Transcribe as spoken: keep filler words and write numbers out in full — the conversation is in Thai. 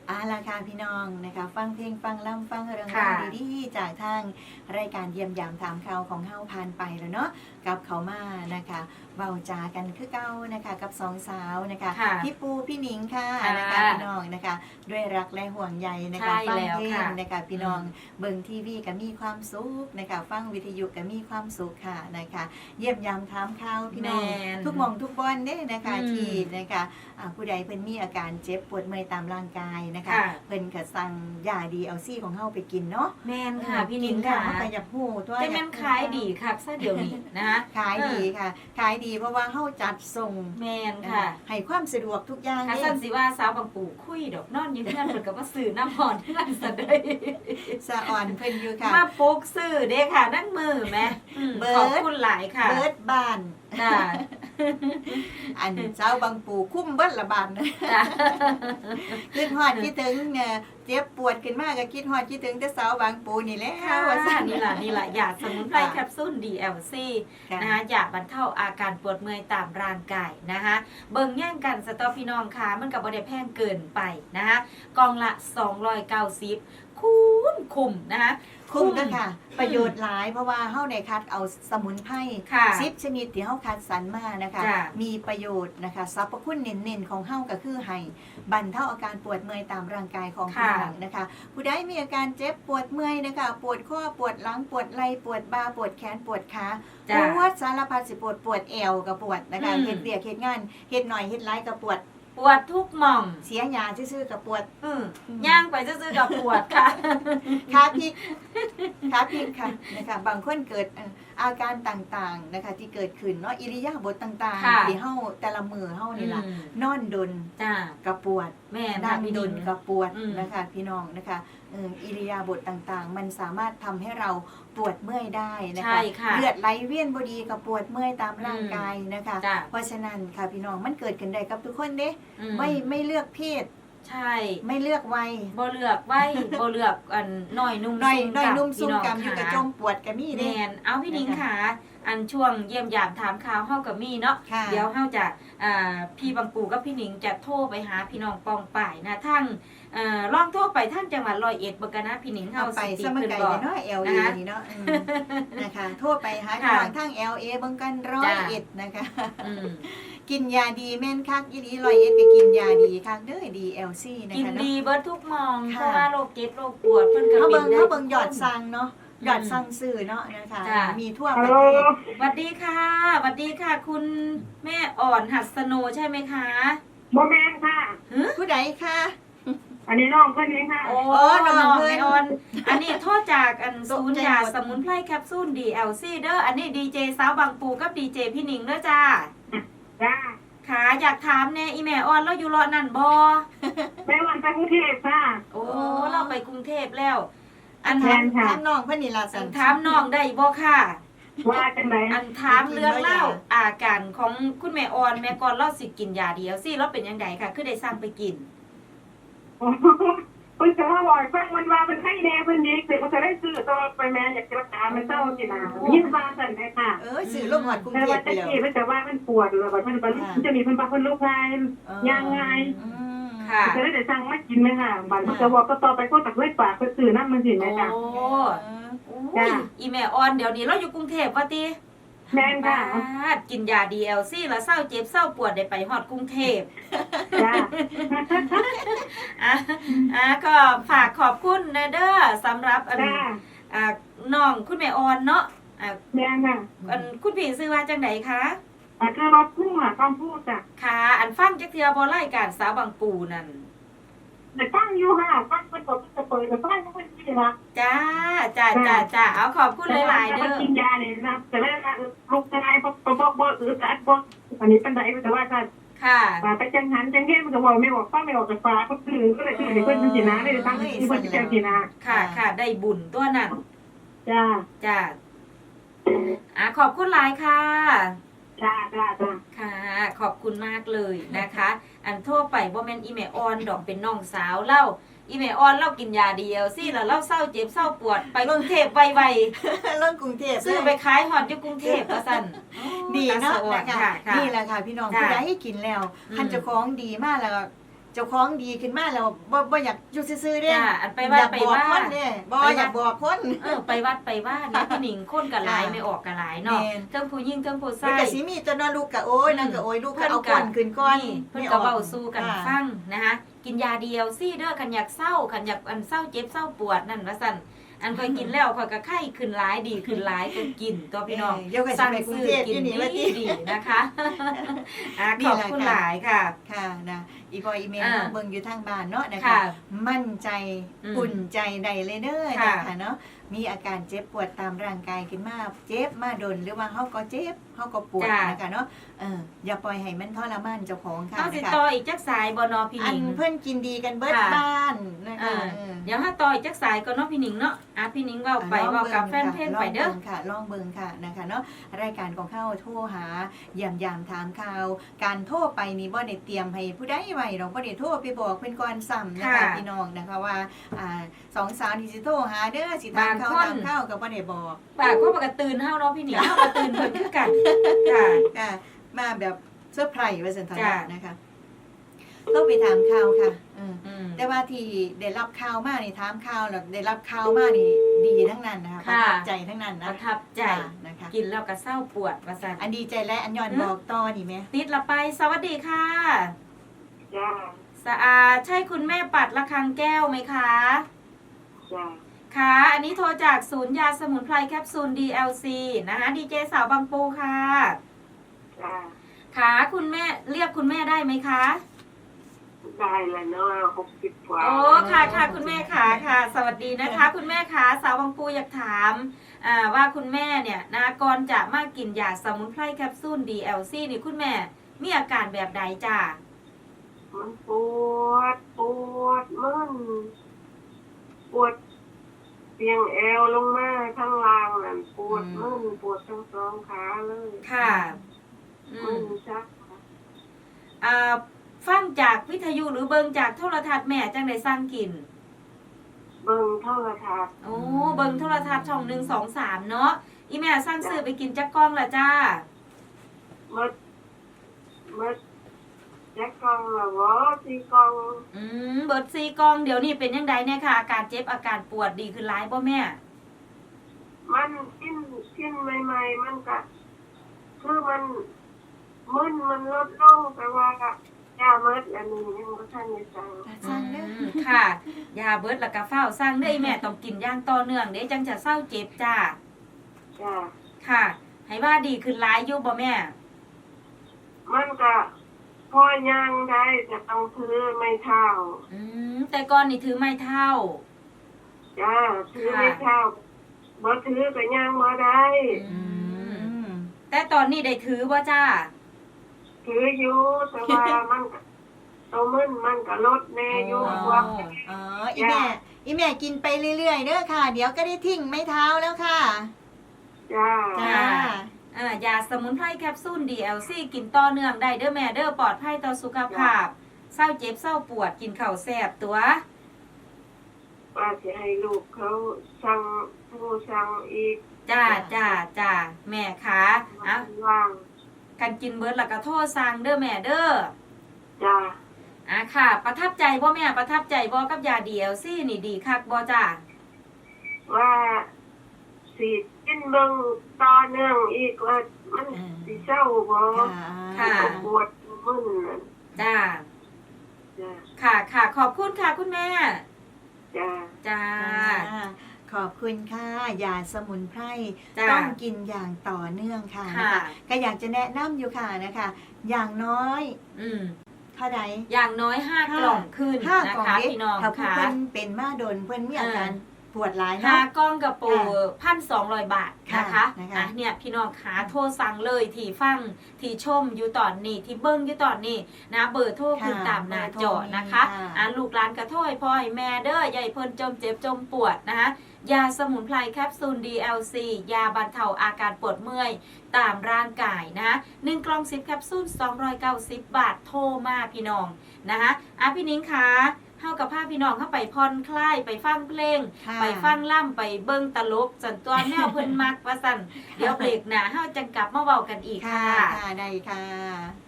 อาล่ะค่ะพี่น้องนะคะฟังเพลงฟังล่ำฟังเรื่องราวดีๆจากทางรายการเยี่ยมยามถามข่าวของเฮาผ่านไปแล้วเนาะกับเขามานะคะเบาจากันคือเก้านะคะกับสองสาวนะคะพี่ปูพี่หนิงค่ะนะคะพี่น้องนะคะด้วยรักและห่วงใยนะคะฟังเพลงนะคะพี่น้องเบิ่งทีวีก็มีความสุขนะคะฟังวิทยุก็มีความสุขค่ะนะคะเยี่ยมยามถามข่าวพี่น้องทุกหม่องทุกบอนเด้นะคะที่นะคะผู้ใดเพิ่นมีอาการเจ็บปวดเมื่อยตามร่างกายนะคะเพิ่นก็สั่งยาดีเอาซี่ของเฮาไปกินเนาะแม่นค่ะพี่นิ้งค่ะเฮาก็อยากฮู้ตัวแต่มันขายดีค่ะซะเดี๋ยวนี้นะคะขายดีค่ะขายดีเพราะว่าเฮาจัดส่งแม่นค่ะให้ความสะดวกทุกอย่างค่ะซั่นสิว่าสาวบางปู่คุยดอกนอนอยู่เฮือนเพิ่นก็มาซื้อน้ำฮ้อนเฮือนซะเด้สะอ่อนเพิ่นอยู่ค่ะมาปลุกซื้อเด้ค่ะนั่งมือแม่ขอบคุณหลายค่ะเบิดบ้านจ้าอันเจ้าบางปู่คุ้มเบิดละบาทนะคิดฮอดคิดถึงเนี่ยเจ็บปวดขึ้นมากก็คิดฮอดคิดถึงแต่สาวบางปู่นี่แหละว่าซั่นนี่ล่ะนี่ล่ะยาสมุนไพรแคปซูล ดี แอล ซี นะคะยาบรรเทาอาการปวดเมื่อยตามร่างกายนะคะเบิ่งแย่งกันสตอพี่น้องค่ะมันก็บ่ได้แพงเกินไปนะคะกล่องละสองร้อยเก้าสิบคุ้มคุ้มนะคะคุ้มด้วยค่ะประโยชน์หลายเพราะว่าเฮาได้คัดเอาสมุนไพรสิบชนิดที่เฮาคัดสรรมานะคะมีประโยชน์นะคะสรรพคุณเน้นๆของเฮาก็คือให้บรรเทาอาการปวดเมื่อยตามร่างกายของผู้หลังนะคะผู้ใดมีอาการเจ็บปวดเมื่อยนะคะปวดข้อปวดหลังปวดไหล่ปวดบ่าปวดแขนปวดขาปวดสารพัดสิปวดปวดเอวก็ปวดนะคะเฮ็ดเวียกเฮ็ดงานเฮ็ดหน่อยเฮ็ดหลายก็ปวดปวดทุกหม่องเสียยาซื่อๆกับปวดย่างไปซื่อๆกับปวดค่ะขาพลิกขาพลิกค่ะนะคะบางคนเกิดอาการต่างๆนะคะที่เกิดขึ้นเนาะอิริยาบถต่างๆที่เฮาแต่ละมือเฮานี่ล่ะนอนดนกับปวดแม่นั่งดนกับปวดนะคะพี่น้องนะคะอิริยาบถต่างๆมันสามารถทำให้เราปวดเมื่อยได้นะคะเลือดไหลเวียนบ่ดีกับปวดเมื่อยตามร่างกายนะคะเพราะฉะนั้นค่ะพี่น้องมันเกิดขึ้นได้กับทุกคนเด้ไม่ไม่เลือกเพศใช่ไม่เลือกวัยบ่เลือกวัยบ่เลือกอันน้อยนุ่มซุ่มน้อยนุ่มซุ่มกับอยู่กับจมปวดกับมีเด้แม่นเอาพี่นิ้งค่ะอันช่วงเยี่ยมยามถามข่าวเฮากับมีเนาะเดี๋ยวเฮาจะอ่าพี่บางปู่กับพี่หนิงจะโทรไปหาพี่น้องปองป่ายนะทั้งเอ่อลองโทรไปทางจังหวัดร้อยเอ็ดบ่กันนะพี่หนิงเฮาสิติเพิ่นบ่เนาะ แอล เอ นี่เนาะนะคะโทรไปหาทางทาง แอล เอ เบิ่งกันร้อยเอ็ดนะคะกินยาดีแม่นคักอีหลีร้อยเอ็ดก็กินยาดีคักเด้อ ดี แอล ซี นะคะกินดีเบิดทุกมองเพราะว่าโรคเจ็บโรคปวดเพิ่นก็เบิ่งเฮาเบิ่งยอดสั่งเนาะยอดสั่งซื้อเนาะนะคะมีทั่วประเทศสวัสดีค่ะสวัสดีค่ะคุณแม่อ่อนหัสโนใช่ไหมคะบ่แม่นค่ะผู้ใดคะอันนี้น้องเพิ่นเองค่ะโอ้น้องแม่อ่อนอันนี้โทษจากอันศูนย์ยาสมุนไพรแคปซูล ดี แอล ซี เด้ออันนี้ดีเจสาวบางปูกับดีเจพี่หนิงเด้อจ้าจ้าค่ะอยากถามแน่อีแม่อ่อนเราอยู่รอนั่นบ่แม่วันไปกรุงเทพค่ะโอ้เราไปกรุงเทพแล้วอันถามถามน้องเพิ่นนี่ล่ะสั่งถามน้องได้บ่ค่ะว่าจังได๋อันถามเรื่องเล่าอาการของคุณแม่อ่อนแม่ก่อนเราสิกินยาเดียวสิเราเป็นจังไดค่ะคือได้สั่งไปกินเพิ่นจะว่าบ่อยฟังมันว่ามันไข้แน่เพิ่นดีแต่ก็จะได้ซื้อต่อไปแม่อยากจะรักษามันเศร้าสินะยินว่าซั่นได้ค่ะเออซื้อโรงหอดกรุงเทพไปแล้วแต่ว่าเพิ่นจะว่ามันปวดแล้วมันมันจะมีเพิ่นว่าเพิ่นโรคไข้ย่างง่ายค่ะจะได้สั่งมากินมั้ยค่ะบัดเพิ่นจะบอกก็ต่อไปก็ตักด้วยปากเพิ่นซื้อนำมันสิแม่จ้ะโอ้จ้ะอีแม่อ่อนเดี๋ยวนี้เราอยู่กรุงเทพว่าติแม่นค่ะกินยา ดี แอล ซี แล้วเศร้าเจ็บเศร้าปวดได้ไปฮอดกรุงเทพจ้าอ่ะอ่ะก็ฝากขอบคุณนะเด้อสำหรับอันอ่าน้องคุณแม่อ่อนเนาะอ่ะแม่ค่ะอันคุณพี่ชื่อว่าจังได๋คะอ่ะคือรถพุ่งอ่ะต้องพูดจ้ะค่ะอันฟังจักเทื่อบ่รายการสาวบางปูนั่นแต่ฟังอยู่ค่ะฟังเพิ่นก็จะเปิดฟังเพิ่นสิล่ะจ้าจ้าจ้าจ้าเอาขอบคุณหลายๆเด้อกินยานี่นะแต่แล้วลูกชายบ่บ่บ่อึดอัดบ่อันนี้ปานใดแต่ว่าค่ะค่ะไปจังหันจังเฮ็ดมันก็บอกไม่ออกฟังไม่ออกจากปากก็คือก็เลยชื่อให้เพิ่นสินะได้ตั้งที่เพิ่นจะสินะค่ะค่ะได้บุญตัวนั้นจ้าจ้าอ่ะขอบคุณหลายค่ะจ้าจ้าจ้าค่ะขอบคุณมากเลยนะคะอันโทรไปบ่แม่นอีแม่อ่อนดอกเป็นน้องสาวเล่าอีแม่อ่อนเรากินยาเดียวสิแล้วเราเศร้าเจ็บเศร้าปวดไปกรุงเทพไวๆลงกรุงเทพซื้อไปขายฮอดอยู่กรุงเทพว่าซั่นดีเนาะนะคะนี่แหละค่ะพี่น้องผู้ใดให้กินแล้วคันเจ้าของดีมากแล้วเจ้าของดีขึ้นมาแล้วบ่บ่อยากอยู่ซื่อๆเด้จ้าอันไปวัดอยากไปบอกว่าคนเด้บ่อยากบอกคนเออไปวัดไปว่าเนี่ยพี่หนิงคนกับหลายค่ะไม่ออกกับหลายเนาะแม่นเทิงผู้หญิงเทิงผู้มันชายก็สิมีตัวเนอลูกก็โอ้ยนั่นก็โอ้ยลูกก็เอาก่อนขึ้นก่อนเพิ่นก็เว้าสู้กันฟังนะคะกินยาเดียวซี่เด้อคันอยากเศร้าคันอยากอันเศร้าเจ็บเศร้าปวดนั่นว่าซั่นอันค่อยกินแล้วค่อยก็ไข้ขึ้นหลายดีขึ้นหลายก็กินตัวพี่น้องเดี๋ยวก็สิไปกรุงเทพอยู่นี่ว่าติดีนะคะอ่ะขอบคุณหลายค่ะค่ะนะอีพออีเมลอ่าเบิ่งอยู่ทางบ้านเนาะนะคะค่ะมั่นใจอืมอุ่นใจใดเลยเด้อค่ะนะคะเนาะมีอาการเจ็บปวดตามร่างกายขึ้นมาเจ็บมาดนหรือว่าเฮาก็เจ็บเฮาก็ปวดจ้ะนะคะเนาะเอออย่าปล่อยให้มันทรมานเจ้าของค่ะเฮาสินะคะต่ออีกจักสายบ่เนาะพี่หอันินงเพิ่นกินดีกันเบิดค่ะบ้านนะคะอ่าเออเดี๋ยวถ้าต่ออีกจักสายก็เนาะพี่หนิงเนาะอ่ะพี่หนิงเว้าไปเว้ากับแฟนเพจไปเด้อลองบิ่งค่ะลองเบิ่งค่ะนะคะเนาะรายการของเข้าโทรหาเยี่ยมยามถามข่าว การโทรไปนี่บ่ได้เตรียมให้ผู้ใดไว้ดอกบ่ได้โทรไปบอกเพิ่นก่อนซ้ำนะคะค่ะพี่น้องนะคะว่าอ่าสองสาวที่สิโทรหาเด้อสิถามข่าวบางคนถามข่าวก็บ่ได้บอกปากก็ปกติตื่นเฮาเนาะพี่หนิงเฮาก็ตื่นเพิ่นคือกันค่ะค่ะมาแบบเซอร์ไพรส์ว่าซั่นเถอะจ้ะนะคะต้องไปถามข่าวค่ะอืมอืมแต่ว่าที่ได้รับข่าวมานี่ถามข่าวแล้วได้รับข่าวมานี่ดีทั้งนั้นนะคะประค่ะทับใจทั้งนั้นปนะระทับใจนะคะกินแล้วก็เศร้าปวดว่าซั่นอันดีใจและอันย้อนบอกต่อนี่ไหมติดละไป สวัสดีค่ะจ้าสะอาดใช่คุณแม่ปัดระคังแก้วไหมคะจ้าค่ะ อันนี้โทรจากศูนย์ยาสมุนไพรแคปซูล ดี แอล ซี นะคะดีเจสาวบางปูค่ะจ้าค่ะคุณแม่เรียกคุณแม่ได้ไหมคะได้แล้วเนาะหกสิบกว่าโอ้ค่ะค่ะคุณแม่ค่ะค่ะ สวัสดีนะคะ คุณแม่ค่ะสาวบางปูอยากถามอ่าว่าคุณแม่เนี่ยนะก่อนจะมากินยาสมุนไพรแคปซูล ดี แอล ซี นี่คุณแม่มีอาการแบบใดจ้ามันปวดปวดมันปวดเตียงเอวลงมาข้างล่างนั่นปวดมันปวดทั้งสองขาเลยค่ะอืมันมชักอ่าฟังจากวิทยุหรือเบิงจากโทรทัศน์แม่จังได้สร้างกินเบิ่งโทรทัศน์โอ้เบิงโทรทัศน์ช่องหนึ่งสองสามเนาะอีแม่สร้างซื้อไปกินจักกล้องละจ้ามดมดจักกองละวะสี่กองอืมเบิดซีกล้องเดี๋ยวนี้เป็นยังไงเนี่ยค่ะอาการเจ็บอาการปวดดีขึ้นร้ายป่ะแม่มันกินกินใหม่ๆมันก็คือมันมึนมันลดลงแต่ว่ายาเมิดอันนี้ยังบ่ทันได้สั่งสร้างเด้ออืมค่ะยาเบิดแล้วก็เฝ้าสร้างเด้ออีแม่ต้องกินอย่างต่อเนื่องเด้จังจะเศร้าเจ็บจ้าจ้าค่ะ ให้ว่าดีขึ้นร้ายอยู่บ่แม่มันก็พอย่างได้จะต้องถือไม่เท่าอืมแต่ก่อนนี่ถือไม้เท้าจ้าถือไม่เท่าบ่ถือก็ย่างบ่ได้อืมอืมแต่ตอนนี้ได้ถือบ่จ้าถืออยู่แต่ว่ามันก็ตัวมึนมันก็ลดแน่อยู่อ๋อว่าอ๋ออีแม่อีแม่กินไปเรื่อยๆเด้อค่ะ เดี๋ยวก็ได้ทิ้งไม้เท้าแล้วค่ะจ้าจ้าอ่ายาสมุนไพรแคปซูล ดี แอล ซี กินต่อเนื่องได้เด้อแม่เด้อปลอดภัยต่อสุขภาพเศร้าเจ็บเศร้าปวดกินข้าวแซ่บตัวว่าสิให้ลูกเขาสั่งผู้สั่งอีกจ้าจ้าจ้าแม่คะอ่ะว่างกันกินเบิดแล้วก็โทษสั่งเด้อแม่เด้อจ้าอ่ะค่ะ ประทับใจบ่แม่ประทับใจบ่กับยา ดี แอล ซี นี่ดีคักบ่จ้าว่าสิกินเบิ่งต่อเนื่องอีกว่ามันสิเศร้าบ่ค่ะค่ะปวดมึนนั่นจ้าจ้าค่ะค่ะขอบคุณค่ะคุณแม่จ้าจ้าจ้าขอบคุณค่ะยาสมุนไพรจ้าต้องกินอย่างต่อเนื่องค่ะค่ะนะคะก็อยากจะแนะนำอยู่ค่ะนะคะ อย่างน้อยอืมเท่าใดอย่างน้อยห้ากล่องขึ้นห้านะกล่องคะเด็กพี่น้องถ้าผู้ค่ะเพิ่นเป็นมาโดนเพิ่นมีอาการเออปวดหลายห้าเนาะกล่องกระปูพันสองร้อยบาทนะคะค่ะนะคะอ่ะเนี่ยพี่น้องขาโทรสั่งเลยที่ฟังที่ชมอยู่ตอนนี้ที่เบิ้งอยู่ตอนนี้นะเบอร์โทรขึ้นตามหน้าจอนะคะ อ่ะลูกหลานกระโทยพ่อให้แม่เด้อใหญ่เพิ่นจมเจ็บจมปวดนะคะยาสมุนไพรแคปซูล ดี แอล ซี ยาบรรเทาอาการปวดเมื่อยตามร่างกายนะหนึ่งกล่องสิบแคปซูลสองร้อยเก้าสิบบาทโทรมาพี่น้องนะคะอ่ะพี่นิ้งคะเฮากับพาพี่น้องเข้าไปผ่อนคลายไปฟังเพลงค่ะไปฟังล่ำไปเบิ่งตลกสันตัวแนวเพิ่นมักว่าสั่นเดี๋ยวเบรกหน้าเฮาจังกลับมาเว้ากันอีกค่ะค่ะค่ะได้ค่ะ